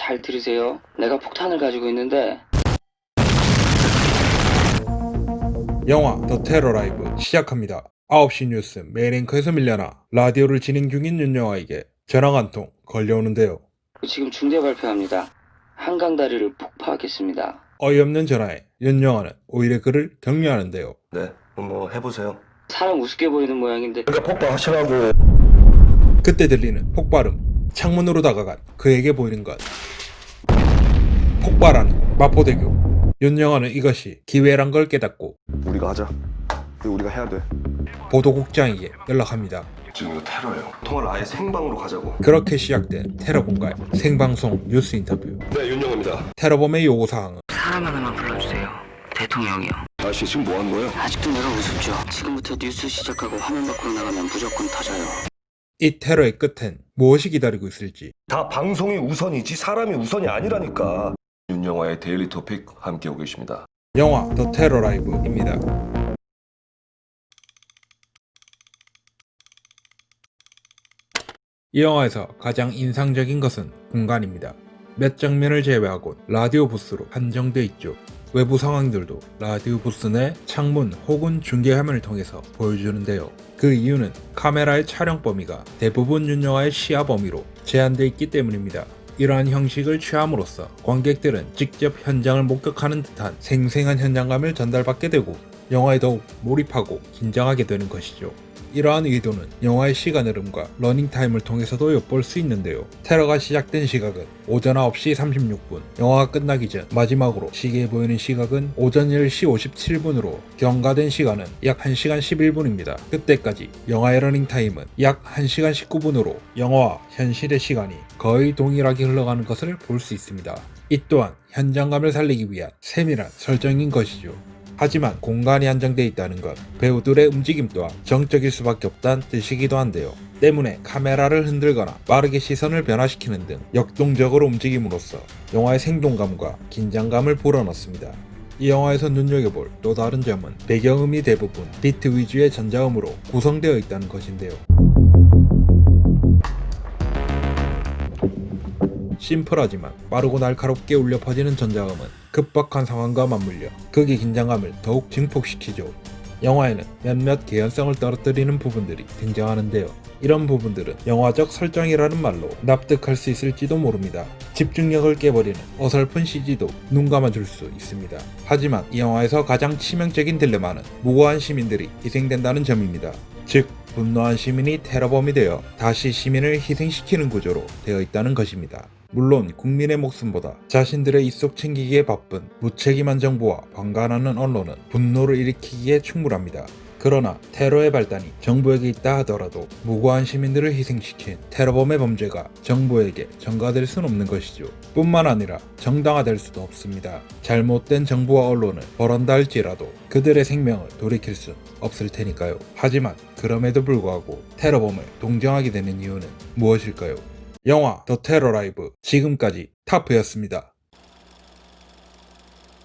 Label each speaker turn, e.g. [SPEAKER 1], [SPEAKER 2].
[SPEAKER 1] 잘 들으세요. 내가 폭탄을 가지고 있는데.
[SPEAKER 2] 영화 더 테러 라이브 시작합니다. 9시 뉴스 메인 앵커에서 밀려나 라디오를 진행 중인 윤영아에게 전화가 한 통 걸려오는데요.
[SPEAKER 1] 지금 중대 발표합니다. 한강다리를 폭파하겠습니다.
[SPEAKER 2] 어이없는 전화에 윤영아는 오히려 그를 격려하는데요.
[SPEAKER 3] 네, 뭐 해보세요.
[SPEAKER 1] 사람 우습게 보이는 모양인데.
[SPEAKER 3] 그러니까 폭발하시라고.
[SPEAKER 2] 그때 들리는 폭발음, 창문으로 다가간 그에게 보이는 것. 폭발하는 마포대교. 윤영아는 이것이 기회란 걸 깨닫고
[SPEAKER 3] 우리가 하자. 이거 우리가 해야 돼.
[SPEAKER 2] 보도국장에게 연락합니다.
[SPEAKER 3] 지금 이거 테러예요. 통화를 아예 생방으로 가자고.
[SPEAKER 2] 그렇게 시작된 테러 공갈 생방송 뉴스 인터뷰.
[SPEAKER 3] 네, 윤영입니다.
[SPEAKER 2] 테러범의 요구사항은
[SPEAKER 1] 사람 하나만 불러주세요. 대통령이요.
[SPEAKER 3] 아저씨 지금 뭐 하는 거예요?
[SPEAKER 1] 아직도 내가 우습죠. 지금부터 뉴스 시작하고 화면 밖으로 나가면 무조건 터져요.
[SPEAKER 2] 이 테러의 끝엔 무엇이 기다리고 있을지.
[SPEAKER 3] 다 방송이 우선이지 사람이 우선이 아니라니까. 윤영화의 데일리 토픽 함께 오고 계십니다.
[SPEAKER 2] 영화 더 테러 라이브입니다. 이 영화에서 가장 인상적인 것은 공간입니다. 몇 장면을 제외하곤 라디오 부스로 한정돼 있죠. 외부 상황들도 라디오 부스 내 창문 혹은 중계화면을 통해서 보여주는데요. 그 이유는 카메라의 촬영 범위가 대부분 윤영화의 시야 범위로 제한되어 있기 때문입니다. 이러한 형식을 취함으로써 관객들은 직접 현장을 목격하는 듯한 생생한 현장감을 전달받게 되고 영화에 더욱 몰입하고 긴장하게 되는 것이죠. 이러한 의도는 영화의 시간 흐름과 러닝타임을 통해서도 엿볼 수 있는데요. 테러가 시작된 시각은 오전 9시 36분, 영화가 끝나기 전 마지막으로 시계에 보이는 시각은 오전 10시 57분으로 경과된 시간은 약 1시간 11분입니다. 그때까지 영화의 러닝타임은 약 1시간 19분으로 영화와 현실의 시간이 거의 동일하게 흘러가는 것을 볼 수 있습니다. 이 또한 현장감을 살리기 위한 세밀한 설정인 것이죠. 하지만 공간이 한정되어 있다는 것, 배우들의 움직임 또한 정적일 수밖에 없다는 뜻이기도 한데요. 때문에 카메라를 흔들거나 빠르게 시선을 변화시키는 등 역동적으로 움직임으로써 영화의 생동감과 긴장감을 불어넣습니다. 이 영화에서 눈여겨볼 또 다른 점은 배경음이 대부분 비트 위주의 전자음으로 구성되어 있다는 것인데요. 심플하지만 빠르고 날카롭게 울려 퍼지는 전자음은 급박한 상황과 맞물려 극의 긴장감을 더욱 증폭시키죠. 영화에는 몇몇 개연성을 떨어뜨리는 부분들이 등장하는데요. 이런 부분들은 영화적 설정이라는 말로 납득할 수 있을지도 모릅니다. 집중력을 깨버리는 어설픈 CG도 눈 감아줄 수 있습니다. 하지만 이 영화에서 가장 치명적인 딜레마는 무고한 시민들이 희생된다는 점입니다. 즉, 분노한 시민이 테러범이 되어 다시 시민을 희생시키는 구조로 되어 있다는 것입니다. 물론 국민의 목숨보다 자신들의 입속 챙기기에 바쁜 무책임한 정부와 방관하는 언론은 분노를 일으키기에 충분합니다. 그러나 테러의 발단이 정부에게 있다 하더라도 무고한 시민들을 희생시킨 테러범의 범죄가 정부에게 전가될 수는 없는 것이죠. 뿐만 아니라 정당화될 수도 없습니다. 잘못된 정부와 언론을 벌한다 할지라도 그들의 생명을 돌이킬 순 없을 테니까요. 하지만 그럼에도 불구하고 테러범을 동정하게 되는 이유는 무엇일까요? 영화 더 테러 라이브 지금까지 타프였습니다.